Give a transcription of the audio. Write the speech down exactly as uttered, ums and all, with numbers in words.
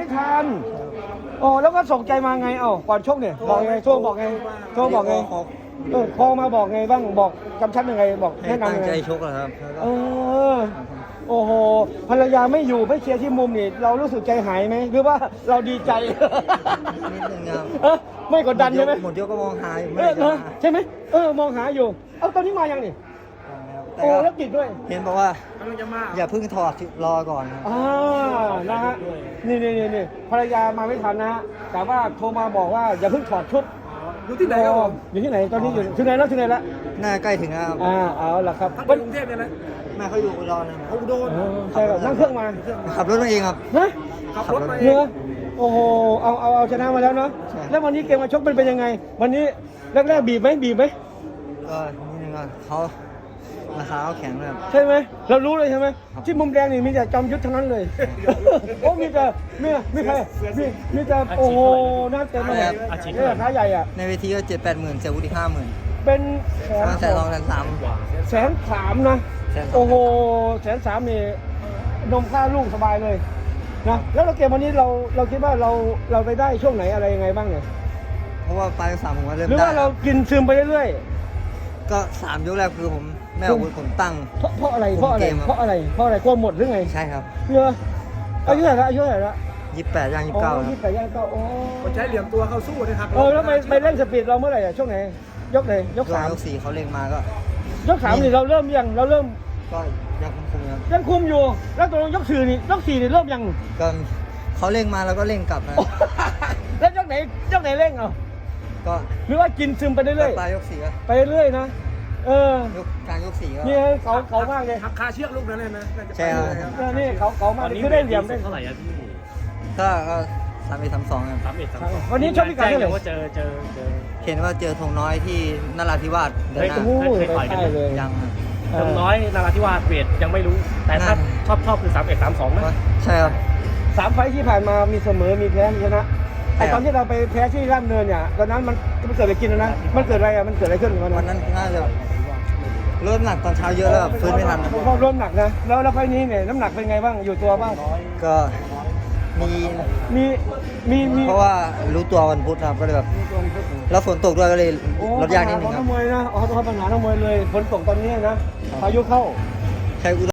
ไม่ทันโอ้แล้วก็ส่งใจมาไงเอ้าก่อนชกเนี่ยบอกไงโทรบอกไงโทรบอกไงเออโทรมาบอกไงบ้างบอกกำชับยังไงบอกให้แนะตั้นำงยังใจไงชกเหรอครับแล้วก็เออโอ้โหภรรยาไม่อยู่ไม่เชียร์ที่มุมนี่เรารู้สึกใจหายไหมหรือว่าเราดีใจนิดนึงครับเออไม่กดดันใช่ไหมหมดยกก็มองหาอยู่เอไม่อได้เอจะอมาใช่ไหมเออมองหาอยู่เอ้าตอนนี้มายังนี่แต่โอ้ก็แล้วติดด้วยเห็นบอกว่ากำลังจะมาอย่าเพิ่งถอดรอก่อนครับอ่านะฮะนี่นี่นี่นี่ภรรยามาไม่ทันนะฮะแต่ว่าโทรมาบอกว่าอย่าเพิ่งถอดชุดอยู่ที่ไหนครับผมอยู่ที่ไหนตอนนี้อยู่ที่ไหนแล้วที่ไหนละน่าใกล้ถึงแล้วครับอ่าเอาละครับท่านไปกรุงเทพเนี่ยนะแม่เขาอยู่อุดรนะครับเขาอุดรเออใช่ครับนั่งเครื่องมาขับรถมาเองครับนะขับรถมาเอเนื้งอโอ้โหเอาเอาเอาชนะมาแล้วเนาะใช่แล้ววันนี้เกมมาชกเป็นเป็นยังไง วันนี้แรกๆบีบไหมบีบไหมก็นิดนึงก็เขาราคาเขาแข็งเลยครับใช่ไหมเรารู้เลยใช่ไหมที่มุมแดงนี่มีแต่จอมยุทธทั้งนั้นเลย โอ้มีแต่มีมีใครมีมีแต่โอ้โหน่าเต็มเลยเนี่ยขาใหญ่อ่ะในเวทีก็เจ็ดแปดหมื่นเสียวุฒิห้าหมื่นเป็นแสนมาแต่รองแสนสามแสนสามนะแสนสามโอ้โหแสนสามนี่นมค่าลูกสบายเลยนะแล้วเราเกมวันนี้เราเราคิดว่าเราเราไปได้ช่วงไหนอะไรยังไงบ้างเนี่ยเพราะว่าปลายยกสามผมก็เริ่มหรือได้ว่าเรากินซึมไปเรื่อยก็สามยกแรกคือผมแม่อาวุธผมตั้งๆเพราะเพราะอะไรเพราะอะไรคุมเกมครับเพราะอะไรเพราะอะไรกลัวหมดหรือไงใช่ครับเรืออายุเท่าไหร่ละอายุเท่าไหร่ละยี่สิบแปดย่างยี่อ๋สิบเก้าอยี่สิบแปดย่างเก้าโอ้คนใช้เหลี่ยมตัวเข้าสู้นะครับเออแล้วไปไปเล่นสปีดเราเมื่อไหร่อะช่วงไหนยกไหนยกช่วงสามยกสี่เขาเร่งมาก็ยกสามนี่เราเริ่มยังเราเริ่มก็ยังคุมๆครับยังคุมอยู่ แล้วตกลงยกสี่นี่ยกสี่นี่เริ่มยังก็เขาเร่งมาแล้วก็เร่งกลับนะแล้วยกไหนยกไหนเร่งเอาก็หรือว่ากินซึมไปเรื่อยปลายยกสี่ก็ๆไปเรื่อยๆนะเออยกกลางยกสี่ก็นี่เขาเขามากเลยหักคาเชือกลูกนั้นเลยนะน่าจะไปใช่ครับเลยครับเนี่ยนี่เขาเขามากเลยคือได้เหลี่ยมได้เท่าไหร่อะพี่ก็ก็สามเอ็ดสามสองครับสามเอ็ดสามสองวันนี้ชกพิกัดเท่าไหร่ว่าเจอเจอเจอเห็นว่าเจอธงน้อยที่นราธิวาสเดินหน้าโอ้โหเคยต่อยกันใช่ไหมเลยยังครับเอจำอน้อยนาราธิวาสเวทยังไม่รู้ แต่ถ้าน่าชอบชอบคือสามเอ็ดสามสองนะก็ใช่ครับสามไฟท์ที่ผ่านมามีเสมอมีแพ้มีชนะไอใช่ครับตอนที่เราไปแพ้ที่ร่ามเนินเนี่ยตอนนั้นมันมันเกิดอะไรกินนะมันเกิดอะไรอ่ะมันเกิดอะไรขึ้นวันวันนั้นนั้นน่าจะเริ่มหนักตอนเช้าเยอะแล้วแบบฟื้นไม่ทันเพราะร่วมหนักนะแล้วแล้วไฟท์นี้เนี่ยน้ำหนักเป็นไงบ้างอยู่ตัวบ้างก็มีมีมีมีเพราะว่ารู้ตัววันพุธครับก็เลยแบบแล้วฝนตกด้วยก็เลยโอ้ลดยากนิดนึงปัญหคขอรับงนักมวยนะอ๋อปัญหานักมวยเลยฝนตกตอนนี้นะพายุเข้าใช้อุ